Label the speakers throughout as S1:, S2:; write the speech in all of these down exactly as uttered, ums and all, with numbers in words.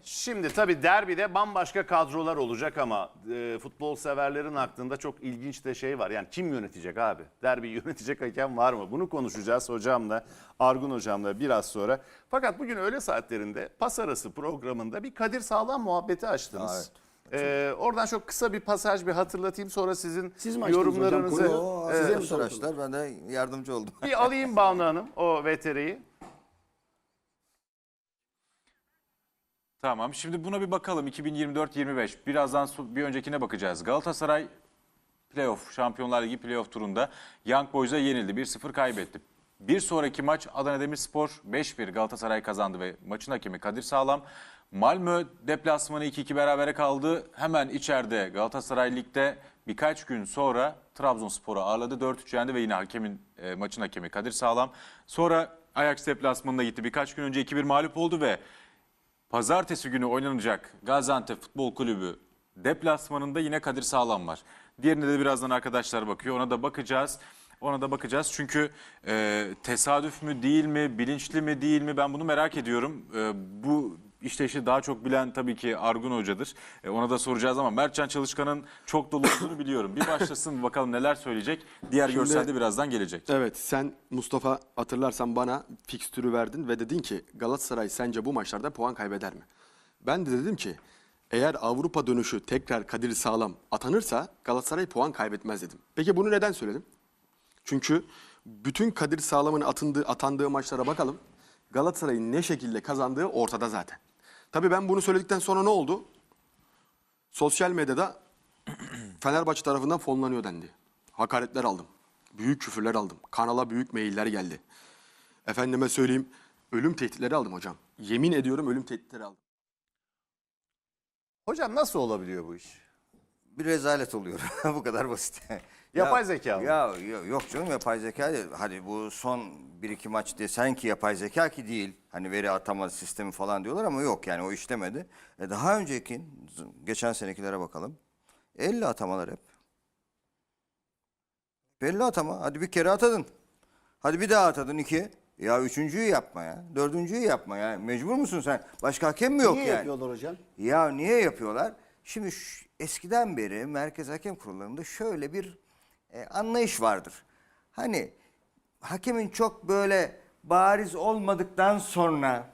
S1: Şimdi tabii derbide bambaşka kadrolar olacak ama e, futbol severlerin aklında çok ilginç de şey var. Yani kim yönetecek abi? Derbiyi yönetecek hakem var mı? Bunu konuşacağız hocamla, Argun hocamla biraz sonra. Fakat bugün öğle saatlerinde pas arası programında bir Kadir Sağlam muhabbeti açtınız.
S2: Evet.
S1: Ee, oradan çok kısa bir pasaj bir hatırlatayım, sonra sizin
S3: Siz mi açtınız
S1: yorumlarınızı
S3: hocam?
S2: O,
S3: Size
S2: size
S3: mi sordular?
S2: arkadaşlar ben de yardımcı oldum.
S1: bir alayım Banu Hanım o V T R'yi.
S4: Tamam. Şimdi buna bir bakalım. iki bin yirmi dört yirmi beş. Birazdan so- bir öncekine bakacağız. Galatasaray playoff, Şampiyonlar Ligi playoff turunda Young Boys'a yenildi. bir sıfır kaybetti. Bir sonraki maç Adana Demirspor beş bir Galatasaray kazandı ve maçın hakemi Kadir Sağlam. Malmö deplasmanı iki iki berabere kaldı. Hemen içeride Galatasaray Lig'de birkaç gün sonra Trabzonspor'u ağırladı. dört üç yendi ve yine hakemin e, maçın hakemi Kadir Sağlam. Sonra Ajax deplasmanına gitti. Birkaç gün önce iki bir mağlup oldu ve pazartesi günü oynanacak Gaziantep Futbol Kulübü deplasmanında yine Kadir Sağlam var. Diğerine de birazdan arkadaşlar bakıyor. Ona da bakacağız. Ona da bakacağız. Çünkü e, tesadüf mü değil mi, bilinçli mi değil mi ben bunu merak ediyorum. E, bu işte işi daha çok bilen tabii ki Argun Hoca'dır. E, ona da soracağız ama Mertcan Çalışkan'ın çok dolu olduğunu biliyorum. Bir başlasın bakalım neler söyleyecek. Diğer
S5: Şimdi-
S4: görsel de birazdan gelecek.
S5: Evet, sen Mustafa hatırlarsan bana fikstürü verdin ve dedin ki Galatasaray sence bu maçlarda puan kaybeder mi? Ben de dedim ki eğer Avrupa dönüşü tekrar Kadir Sağlam atanırsa Galatasaray puan kaybetmez dedim. Peki bunu neden söyledim? Çünkü bütün Kadir Sağlam'ın atındığı, atandığı maçlara bakalım. Galatasaray'ın ne şekilde kazandığı ortada zaten. Tabii ben bunu söyledikten sonra ne oldu? Sosyal medyada Fenerbahçe tarafından fonlanıyor dendi. Hakaretler aldım. Büyük küfürler aldım. Kanala büyük mailler geldi. Efendime söyleyeyim ölüm tehditleri aldım hocam. Yemin ediyorum ölüm tehditleri aldım.
S1: Hocam nasıl olabiliyor bu iş?
S2: Bir rezalet oluyor. Bu kadar basit.
S1: Yapay
S2: Ya-
S1: zeka mı?
S2: Ya, ya yok canım yapay zeka değil. Hadi bu son bir iki maç desen ki yapay zeka ki değil. Hani veri atama sistemi falan diyorlar ama yok yani o işlemedi. E daha önceki geçen senekilere bakalım. elli atamalar hep. elli atama. Hadi bir kere atadın. Hadi bir daha atadın iki. Ya üçüncüyü yapma ya. Dördüncüyü yapma ya. Mecbur musun sen? Başka hakem mi yok
S3: Niye
S2: yani?
S3: yapıyorlar hocam?
S2: Ya niye yapıyorlar? Şimdi şu- eskiden beri Merkez Hakem Kurullarında şöyle bir e, anlayış vardır. Hani hakemin çok böyle bariz olmadıktan sonra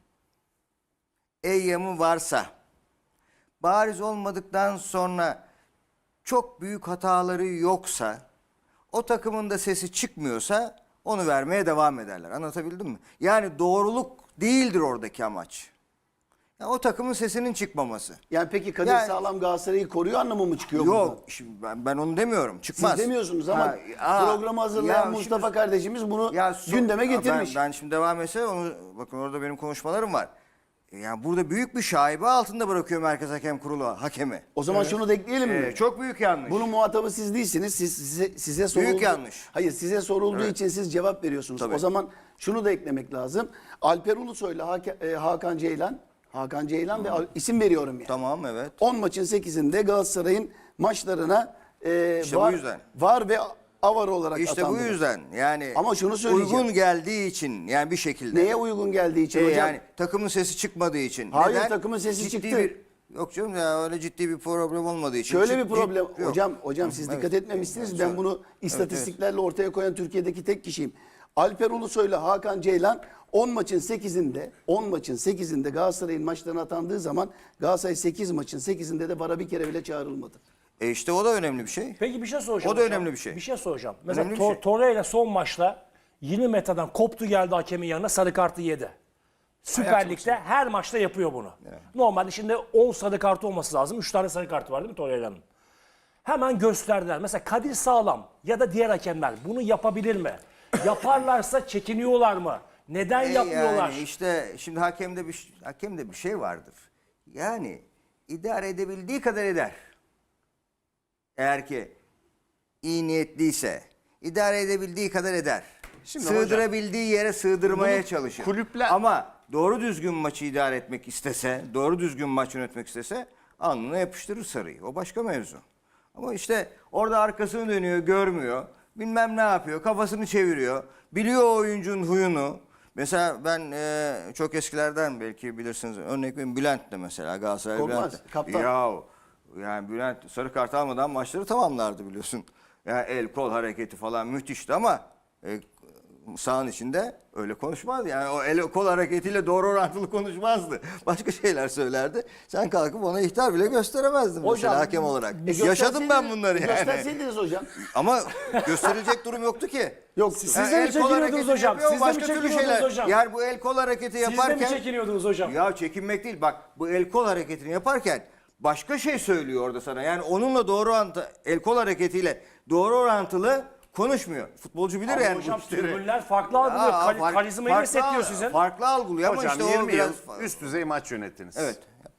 S2: eyyamı varsa, bariz olmadıktan sonra çok büyük hataları yoksa, o takımın da sesi çıkmıyorsa onu vermeye devam ederler. Anlatabildim mi? Yani doğruluk değildir oradaki amaç. Yani o takımın sesinin çıkmaması.
S3: Yani peki Kadir
S2: Yani-
S3: Sağlam Galatasaray'ı koruyor anlamı mı çıkıyor buradan?
S2: Yok, şimdi ben, ben onu demiyorum. Çıkmaz.
S3: Siz demiyorsunuz ama
S2: Ha, aa,
S3: programı hazırlayan
S2: ya
S3: Mustafa
S2: şimdi-
S3: kardeşimiz bunu
S2: Ya so-
S3: gündeme
S2: Ha,
S3: getirmiş.
S2: Ben, ben şimdi devam etse onu bakın orada benim konuşmalarım var. Yani burada büyük bir şaibe altında bırakıyor Merkez Hakem Kurulu hakemi.
S3: O zaman şunu da ekleyelim mi?
S2: Ee, çok büyük yanlış.
S3: Bunun muhatabı siz değilsiniz. Siz, size, size soruldu.
S2: Büyük yanlış.
S3: Hayır size sorulduğu
S2: Evet.
S3: için siz cevap veriyorsunuz.
S2: Tabii.
S3: O zaman şunu da eklemek lazım. Alper Ulusoy'la Hak- e, Hakan Ceylan, Hakan Ceylan ve Al- isim veriyorum yani.
S2: Tamam evet.
S3: on maçın sekizinde Galatasaray'ın maçlarına e,
S2: İşte bu
S3: var,
S2: yüzden.
S3: var ve avar olarak
S2: İşte bu
S3: atandılar.
S2: yüzden yani
S3: Ama şunu söyleyeceğim.
S2: uygun geldiği için yani bir şekilde.
S3: Neye uygun geldiği için
S2: Ee,
S3: hocam?
S2: yani takımın sesi çıkmadığı için.
S3: Hayır, takımın sesi
S2: Ciddi
S3: çıktı.
S2: Bir, yok canım ya öyle ciddi bir problem olmadığı için.
S3: Şöyle
S2: Cid-
S3: bir problem.
S2: cid- yok.
S3: Hocam hocam siz
S2: Evet.
S3: dikkat etmemişsiniz.
S2: Evet,
S3: Ben
S2: evet.
S3: bunu istatistiklerle ortaya koyan Türkiye'deki tek kişiyim. Alper Ulusoy'la Hakan Ceylan on maçın sekizinde on maçın sekizinde Galatasaray'ın maçlarına atandığı zaman Galatasaray sekiz maçın sekizinde de bara bir kere bile çağrılmadı.
S2: E işte o da önemli bir şey.
S6: Peki bir şey soracağım.
S2: O da
S6: hocam.
S2: önemli bir şey.
S6: Bir şey soracağım. Mesela
S2: Önemli bir
S6: Tor-
S2: şey.
S6: Torreira son maçta yirmi metreden koptu geldi hakemin yanına sarı kartı yedi. Süper Lig'de her maçta yapıyor bunu. Normalde şimdi on sarı kartı olması lazım. üç tane sarı kartı var değil mi Torreira'nın? Hemen gösterdiler. Mesela Kadir Sağlam ya da diğer hakemler bunu yapabilir mi? Yaparlarsa çekiniyorlar mı? Neden
S2: E
S6: yapmıyorlar?
S2: Yani işte şimdi hakemde bir hakemde bir şey vardır. Yani idare edebildiği kadar eder. Eğer ki iyi niyetliyse idare edebildiği kadar eder.
S1: Şimdi
S2: Sığdırabildiği yere sığdırmaya
S1: bunu
S2: çalışır.
S1: kulüpler-
S2: Ama doğru düzgün maçı idare etmek istese, doğru düzgün maç yönetmek istese alnına yapıştırır sarıyı. O başka mevzu. Ama işte orada arkasını dönüyor, görmüyor. Bilmem ne yapıyor, kafasını çeviriyor. Biliyor oyuncunun huyunu. Mesela ben e, çok eskilerden belki bilirsiniz örnek vereyim Bülent'te mesela Galatasaray
S3: Korkmaz,
S2: Bülent'te.
S3: kaptan.
S2: Ya yani Bülent sarı kart almadan maçları tamamlardı biliyorsun. Yani el kol hareketi falan müthişti ama e, sahanın içinde öyle konuşmaz. Yani o el kol hareketiyle doğru orantılı konuşmazdı. Başka şeyler söylerdi. Sen kalkıp ona ihtar bile gösteremezdin
S6: Hocam,
S2: mesela hakem olarak.
S3: E,
S2: Yaşadım ben
S3: gösterseydiniz-
S2: bunları yani.
S3: Gösterseydiniz hocam.
S2: Ama gösterilecek durum yoktu ki.
S3: Yok.
S6: Siz
S2: Yani
S6: de mi
S2: el kol
S6: çekiniyordunuz
S2: hareketini
S6: hocam?
S2: yapıyor,
S6: Siz de mi
S2: başka türlü
S6: çekiniyordunuz
S2: şeyler.
S6: hocam?
S2: Yani bu el kol hareketi
S6: Siz de
S2: yaparken...
S6: mi çekiniyordunuz hocam?
S2: Ya çekinmek değil bak bu el kol hareketini yaparken başka şey söylüyor orada sana. Yani onunla doğru orantı, el kol hareketiyle doğru orantılı konuşmuyor. Futbolcu bilir
S6: Ama
S2: yani
S6: hocam
S2: bu işleri.
S6: tribünler farklı algılıyor.
S2: Ya,
S6: Kal-
S2: fark-
S6: karizmayı
S2: farklı-
S6: hissettiriyor sizin.
S2: Farklı algılıyor ama
S1: Hocam
S2: işte o
S1: yirmi
S2: biraz...
S1: yıl üst düzey maç yönettiniz.
S2: Evet.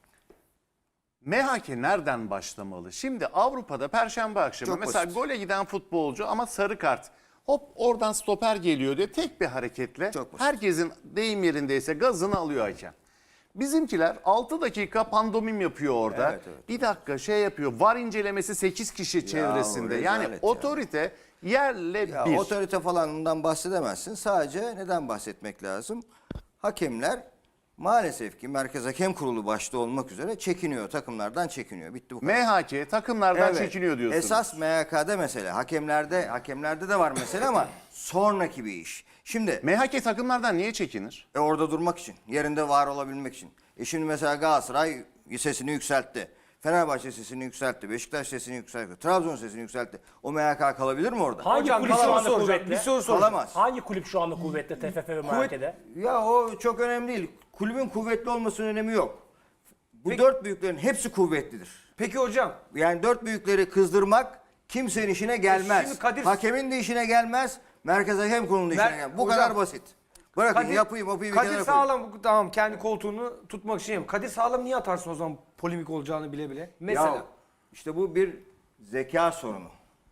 S1: M H K nereden başlamalı? Şimdi Avrupa'da Perşembe akşamı
S2: Çok
S1: mesela
S2: basit.
S1: gole giden futbolcu ama sarı kart. Hop oradan stoper geliyor diye tek bir hareketle
S2: Çok basit.
S1: herkesin deyim yerindeyse gazını alıyor hakem. Bizimkiler altı dakika pandomim yapıyor orada.
S2: Evet, evet.
S1: Bir dakika şey yapıyor. VAR incelemesi sekiz kişi çevresinde. Yani
S2: rezalet ya.
S1: otorite yerle
S2: Ya
S1: bir.
S2: otorite falanından bahsedemezsin. Sadece neden bahsetmek lazım? Hakemler maalesef ki Merkez Hakem Kurulu başta olmak üzere çekiniyor. Takımlardan çekiniyor. Bitti bu kadar.
S1: M H K takımlardan
S2: Evet.
S1: çekiniyor diyorsunuz.
S2: Esas M H K'de mesele. Hakemlerde hakemlerde de var mesele ama sonraki bir iş. Şimdi
S1: M H K takımlardan niye çekinir?
S2: e, orada durmak için, yerinde var olabilmek için. E şimdi mesela Galatasaray sesini yükseltti. Fenerbahçe sesini yükseltti. Beşiktaş sesini yükseltti. Trabzon sesini yükseltti. O M H K kalabilir mi orada?
S6: Hangi
S7: Hocam,
S6: kulüp
S7: bir
S6: şu
S7: soru
S6: anda
S7: soracağım,
S6: kuvvetli?
S7: bir soru soracağım.
S2: Kalamaz.
S6: Hangi kulüp şu anda kuvvetli T F F ve M H K'de?
S2: Ya o çok önemli değil. Kulübün kuvvetli olmasının önemi yok. Bu dört büyüklerin hepsi kuvvetlidir.
S7: Peki hocam,
S2: Yani dört büyükleri kızdırmak kimsenin işine gelmez.
S7: Şimdi Kadir-
S2: Hakemin de işine gelmez. Merkez Hakem Kurulu'nun da işine
S7: Mer-
S2: gelmez. Bu
S7: hocam,
S2: kadar basit. Bırakın
S7: Kadir,
S2: yapayım yapayım bir
S7: Kadir
S2: kenara koyayım.
S7: Sağlam tamam kendi koltuğunu tutmak için yapıyor. Kadir Sağlam niye atarsın o zaman polemik olacağını bile bile? Mesela.
S2: Ya, işte bu bir zeka sorunu.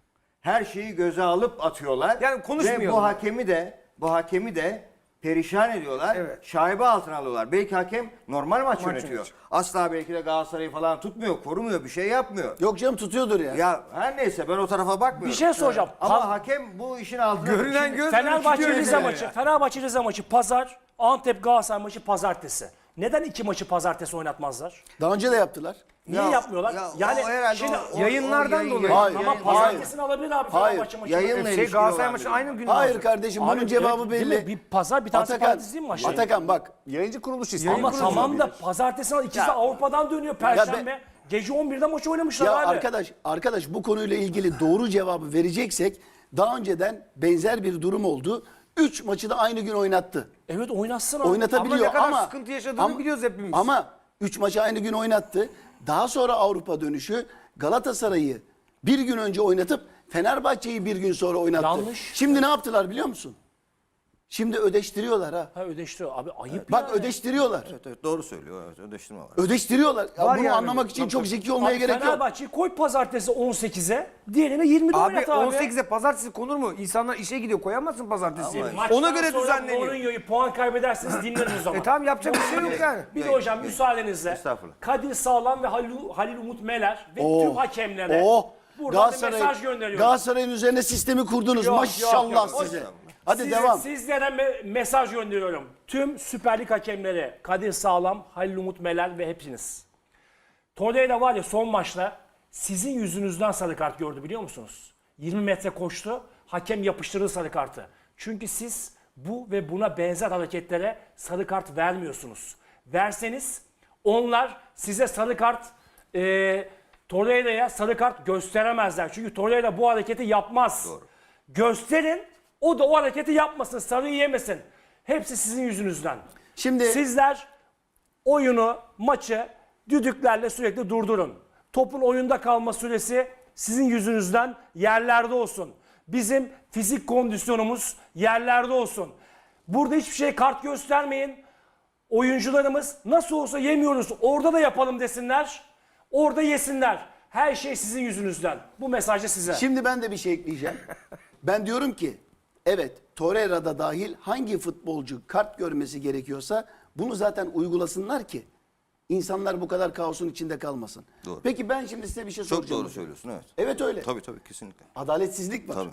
S2: Her şeyi göze alıp atıyorlar.
S7: Yani
S2: Ve
S7: konuşmayalım.
S2: bu hakemi de bu hakemi de perişan ediyorlar.
S7: Evet.
S2: Şaibe altına alıyorlar. Belki hakem normal maç, yönetiyor.
S7: yönetiyor.
S2: Asla belki de Galatasaray'ı falan tutmuyor, korumuyor, bir şey yapmıyor.
S3: Yok canım tutuyordur ya.
S2: Ya her neyse ben o tarafa bakmıyorum.
S6: Bir şey soracağım.
S2: Ama
S6: Pa-
S2: hakem bu işin altına...
S7: Görünen
S2: Şimdi-
S7: göz
S6: Fenerbahçe
S7: tutuyor
S6: Rize
S7: yani.
S6: maçı, Fenerbahçe Rize maçı pazar, Antep Galatasaray maçı pazartesi. Neden iki maçı pazartesi oynatmazlar?
S3: Daha önce de yaptılar.
S6: Niye
S2: Ya-
S6: yapmıyorlar?
S2: ya o
S6: yani
S2: herhalde
S6: şimdi
S2: o- o-
S7: yayınlardan
S2: o yayın-
S7: dolayı.
S3: Hayır.
S6: ama
S2: yayın-
S6: pazartesini alabilir abi
S3: Hayır.
S6: Fenerbahçe maçı.
S2: Yayınla
S7: Şey
S2: ilişkili
S7: Galatasaray
S2: olan
S7: maçı
S2: bir-
S7: aynı gün
S3: Hayır
S7: olacak.
S3: kardeşim bunun
S6: Abi,
S3: cevabı
S6: değil mi?
S3: belli.
S6: Bir pazar bir tanesi
S3: Atakan,
S6: pazartesi değil mi maçı?
S3: Atakan bak.
S1: Yayıncı kuruluş istiyor.
S6: Ama
S3: kuruluş
S6: tamam da
S3: olabilir.
S6: pazartesi ikisi
S3: Ya-
S6: de Avrupa'dan dönüyor Perşembe. Gece on birde maç oynamışlar
S3: Ya
S6: abi.
S3: arkadaş, arkadaş bu konuyla ilgili doğru cevabı vereceksek daha önceden benzer bir durum oldu. Üç maçı da aynı gün oynattı.
S6: Evet oynatsın abi.
S3: Oynatabiliyor
S7: Ama ne kadar
S3: ama
S7: sıkıntı yaşadığını biliyoruz hepimiz.
S3: Ama üç maçı aynı gün oynattı. Daha sonra Avrupa dönüşü Galatasaray'ı bir gün önce oynatıp Fenerbahçe'yi bir gün sonra oynattı.
S6: Yanlış.
S3: Şimdi ne yaptılar biliyor musun? Şimdi ödeştiriyorlar ha.
S6: Ha ödeştiriyor. Abi ayıp
S3: Bak
S6: yani.
S3: ödeştiriyorlar.
S2: Evet, evet, doğru söylüyor. Evet, ödeştirme var.
S3: Ödeştiriyorlar. Ya
S7: Var
S3: bunu
S7: yani.
S3: anlamak için çok zeki olmaya
S6: Abi
S3: gerek yok.
S6: Fenerbahçe'yi koy pazartesi on sekize, diğerini yirmide
S7: Abi
S6: oynat abi.
S7: on sekize pazartesi konur mu? İnsanlar işe gidiyor koyamazsın pazartesi.
S6: Maçtan
S7: Ona göre
S6: sonra
S7: düzenleniyor.
S6: Mourinho'yu puan kaybedersiniz dinleriz o zaman.
S7: E tamam yapacak bir şey yok yani.
S6: Bir de hocam müsaadenizle
S2: Estağfurullah.
S6: Kadir Sağlam ve Halil, Halil Umut Meler ve
S3: Oo.
S6: tüm hakemlere
S3: Oh.
S6: buradan bir mesaj gönderiyorum.
S3: Galatasaray'ın üzerine sistemi kurdunuz.
S6: Yok,
S3: Maşallah
S6: yok, yok.
S3: size. Hadi
S6: Size-
S3: devam.
S6: Sizlere me- mesaj gönderiyorum. Tüm Süper Lig hakemleri Kadir Sağlam, Halil Umut Meler ve hepiniz. Torreira var ya son maçta sizin yüzünüzden sarı kart gördü biliyor musunuz? yirmi metre koştu, hakem yapıştırdı sarı kartı. Çünkü siz bu ve buna benzer hareketlere sarı kart vermiyorsunuz. Verseniz onlar size sarı kart, e, Torreira'ya sarı kart gösteremezler. Çünkü Torreira bu hareketi yapmaz. Gösterin, o da o hareketi yapmasın, sarıyı yemesin. Hepsi sizin yüzünüzden.
S3: Şimdi-
S6: Sizler oyunu, maçı düdüklerle sürekli durdurun. Topun oyunda kalma süresi sizin yüzünüzden yerlerde olsun. Bizim fizik kondisyonumuz yerlerde olsun. Burada hiçbir şey kart göstermeyin. Oyuncularımız nasıl olsa yemiyoruz, orada da yapalım desinler. Orada yesinler. Her şey sizin yüzünüzden. Bu mesaj da size.
S3: Şimdi ben de bir şey ekleyeceğim. Ben diyorum ki evet Torreira'da dahil hangi futbolcu kart görmesi gerekiyorsa bunu zaten uygulasınlar ki insanlar bu kadar kaosun içinde kalmasın.
S2: Doğru.
S3: Peki ben şimdi size bir şey
S2: Çok
S3: soracağım.
S2: doğru söylüyorsun evet.
S3: Evet öyle.
S2: Tabii tabii kesinlikle.
S3: Adaletsizlik var.
S2: Tabii.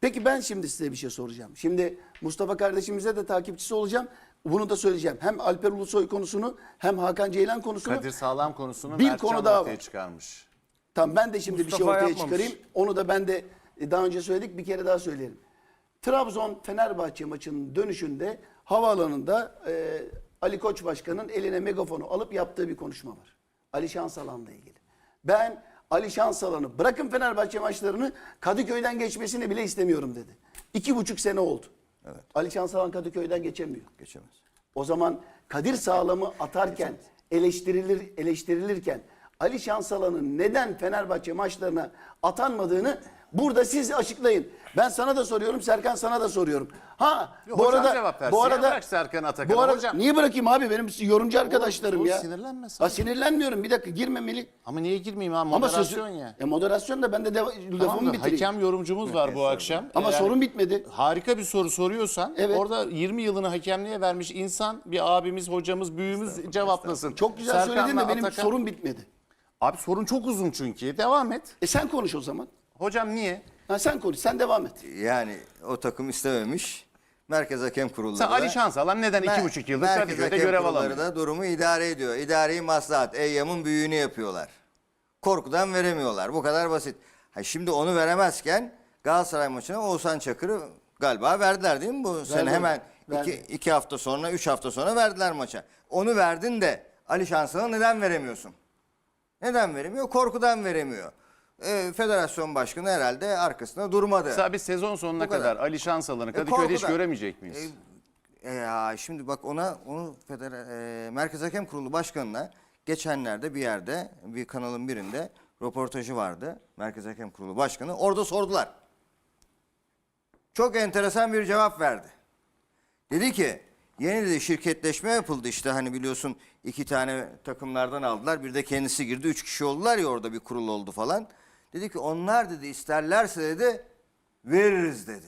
S3: Peki ben şimdi size bir şey soracağım. Şimdi Mustafa kardeşimize de takipçisi olacağım. Bunu da söyleyeceğim. Hem Alper Ulusoy konusunu hem Hakan Ceylan konusunu.
S1: Kadir Sağlam konusunu
S3: Bir
S1: Mertcan
S3: konu daha
S1: ortaya
S3: var.
S1: çıkarmış.
S3: Tamam ben de şimdi
S7: Mustafa
S3: bir şey ortaya
S7: yapmamış.
S3: çıkarayım. Onu da ben de e, daha önce söyledik bir kere daha söyleyelim. Trabzon-Fenerbahçe maçının dönüşünde havaalanında e, Ali Koç Başkan'ın eline megafonu alıp yaptığı bir konuşma var. Ali Şansalan'la ilgili. Ben Ali Şansalan'ı bırakın Fenerbahçe maçlarını Kadıköy'den geçmesini bile istemiyorum dedi. İki buçuk sene oldu.
S2: Evet.
S3: Ali Şansalan Kadıköy'den geçemiyor.
S2: Geçemez.
S3: O zaman Kadir Sağlam'ı atarken, eleştirilir eleştirilirken Ali Şansalan'ın neden Fenerbahçe maçlarına atanmadığını burada siz açıklayın. Ben sana da soruyorum, Serkan sana da soruyorum. Ha,
S1: Yok,
S3: bu
S1: hocam
S3: arada
S1: cevap versin.
S3: bu
S1: Ya
S3: arada
S1: bırak Serkan Atakan'ı.
S3: Bu arada
S1: Hocam-
S3: niye bırakayım abi? Benim yorumcu arkadaşlarım
S1: oğlum,
S3: ya.
S1: sinirlenme sen.
S3: Ha, sinirlenmiyorum. Bir dakika girmemeli.
S1: Ama niye girmeyeyim ha?
S3: Ama
S1: Moderasyon
S3: sözü,
S1: ya.
S3: E, moderasyon da ben de deva-
S1: Tamam
S3: lafımı
S1: da
S3: bitireyim.
S1: hakem yorumcumuz var bu akşam.
S3: Ama
S1: Yani
S3: sorun bitmedi.
S1: harika bir soru soruyorsan
S3: Evet.
S1: orada yirmi yılını hakemliğe vermiş insan bir abimiz, hocamız, büyüğümüz cevaplasın.
S3: Çok güzel
S1: Serkan'la
S3: söyledin de benim
S1: Atakan-
S3: sorun bitmedi.
S1: Abi sorun çok uzun çünkü. Devam et.
S3: E sen konuş o zaman.
S1: Hocam niye?
S3: Ha, sen konuş, sen devam et.
S2: Yani o takım istememiş. Merkez Hakem Kurulları
S1: Sen
S2: da-
S1: Ali Şansalan neden iki
S2: Mer-
S1: buçuk yıldır
S2: Merkez
S1: Kadıköy'de
S2: Hakem
S1: görev
S2: Kurulları
S1: alamıyor?
S2: da durumu idare ediyor. İdari maslahat. Eyyam'ın büyüğünü yapıyorlar. Korkudan veremiyorlar. Bu kadar basit. Ha şimdi onu veremezken Galatasaray maçına Oğuzhan Çakır'ı galiba verdiler değil mi bu sene? Hemen
S3: verdi.
S2: iki, iki hafta sonra, üç hafta sonra verdiler maça. Onu verdin de Ali Şansalan'a neden veremiyorsun? Neden veremiyor? Korkudan veremiyor. Ee, Federasyon Başkanı herhalde arkasında durmadı.
S1: Mesela biz sezon sonuna
S2: Bu kadar.
S1: kadar Ali Şansalan'ı
S2: E,
S1: Kadıköy'de hiç
S2: korkudan.
S1: göremeyecek miyiz?
S2: E, ya şimdi bak ona onu Feder e, Merkez Hakem Kurulu Başkanı'na geçenlerde bir yerde bir kanalın birinde röportajı vardı. Merkez Hakem Kurulu Başkanı orada sordular. Çok enteresan bir cevap verdi. Dedi ki yeni de şirketleşme yapıldı işte hani biliyorsun iki tane takımlardan aldılar. Bir de kendisi girdi. Üç kişi oldular ya orada bir kurul oldu falan. Dedi ki onlar dedi isterlerse dedi veririz dedi.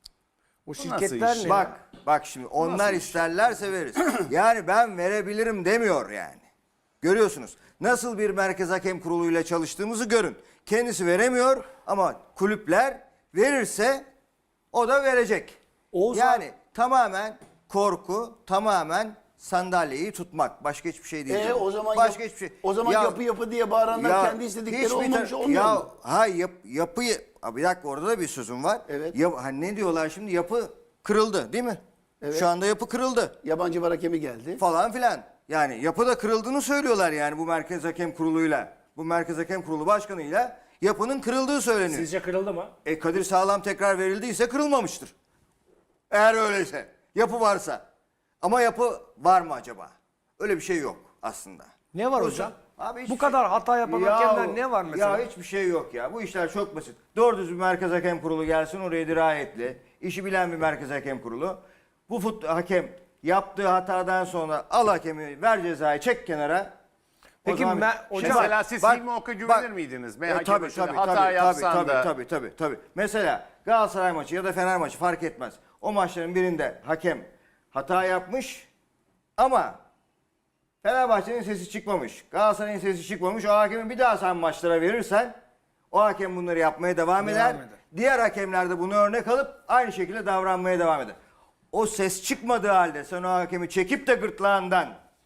S7: O
S1: nasıl
S7: şirketler
S1: iş?
S7: ne?
S2: Bak bak şimdi onlar isterlerse veririz. Yani ben verebilirim demiyor yani. Görüyorsunuz. Nasıl bir merkez hakem kuruluyla çalıştığımızı görün. Kendisi veremiyor ama kulüpler verirse o da verecek.
S6: Oğuzhan-
S2: Yani tamamen korku, tamamen sandalyeyi tutmak. Başka hiçbir şey değil.
S3: E
S2: canım.
S3: o zaman
S2: Başka
S3: yap-
S2: hiçbir şey.
S3: o zaman
S2: Ya-
S3: yapı yapı diye bağıranlar
S2: ya
S3: kendi istedikleri
S2: hiçbir
S3: olmamış
S2: tar-
S3: olmuyor
S2: ya,
S3: mu?
S2: Ha yap, yapıyı Aa, bir dakika orada da bir sözüm var.
S3: Evet.
S2: Ya, hani ne diyorlar şimdi yapı kırıldı değil mi?
S3: Evet.
S2: Şu anda yapı kırıldı
S3: Yabancı var hakemi geldi.
S2: falan filan. Yani yapıda kırıldığını söylüyorlar yani bu Merkez Hakem Kurulu'yla. Bu Merkez Hakem Kurulu Başkanı'yla yapının kırıldığı söyleniyor.
S6: Sizce kırıldı mı?
S2: E Kadir Sağlam tekrar verildiyse kırılmamıştır. Eğer öyleyse. Yapı varsa. Ama yapı var mı acaba? Öyle bir şey yok aslında.
S7: Ne var
S2: O
S7: hocam?
S2: Abi hiçbir
S7: Bu kadar hata yapan
S2: Ya-
S7: hakemler ne var mesela?
S2: Ya hiçbir şey yok ya. Bu işler çok basit. Doğru düzgün Merkez Hakem Kurulu gelsin oraya dirayetli. İşi bilen bir Merkez Hakem Kurulu. Bu fut hakem yaptığı hatadan sonra al hakemi ver cezayı çek kenara. O
S7: Peki
S2: zaman-
S7: me- hocam-
S1: Mesela siz Hilmi Ok'a güvenir miydiniz? Ve
S2: E,
S1: hakem
S2: tabii,
S1: başında
S2: tabii,
S1: hata
S2: tabii,
S1: yapsan
S2: tabii,
S1: da.
S2: Tabii tabii tabii. Mesela Galatasaray maçı ya da Fener maçı fark etmez. O maçların birinde hakem hata yapmış ama Fenerbahçe'nin sesi çıkmamış. Galatasaray'ın sesi çıkmamış. O hakemi bir daha sen maçlara verirsen o hakem bunları yapmaya devam, eder.
S7: eder.
S2: Diğer hakemler de bunu örnek alıp aynı şekilde davranmaya devam eder. O ses çıkmadığı halde sen o hakemi çekip de gırtlağından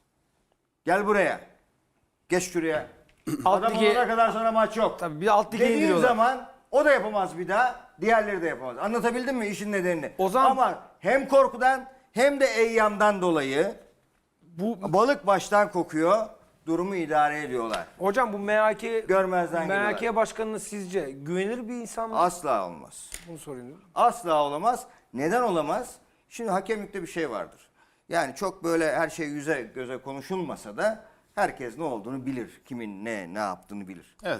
S2: gel buraya. Geç şuraya.
S7: Alt
S2: Adam
S7: lige-
S2: olana kadar sana maç yok.
S7: Tabii bir alt lige
S2: Dediğin
S7: indiriyorlar.
S2: zaman o da yapamaz bir daha. Diğerleri de yapamaz. Anlatabildim mi işin nedenini?
S7: O zaman-
S2: Ama hem korkudan hem de eyyamdan dolayı
S7: Bu
S2: balık baştan kokuyor. Durumu idare ediyorlar.
S7: hocam bu M H K
S2: Görmezden
S7: M H K
S2: geliyorlar.
S7: başkanının sizce güvenilir bir insan mı?
S2: Asla olmaz.
S7: Bunu soruyorum.
S2: Asla olamaz. Neden olamaz? Şimdi hakemlikte bir şey vardır. Yani çok böyle her şey yüze göze konuşulmasa da herkes ne olduğunu bilir. Kimin ne ne yaptığını bilir.
S1: Evet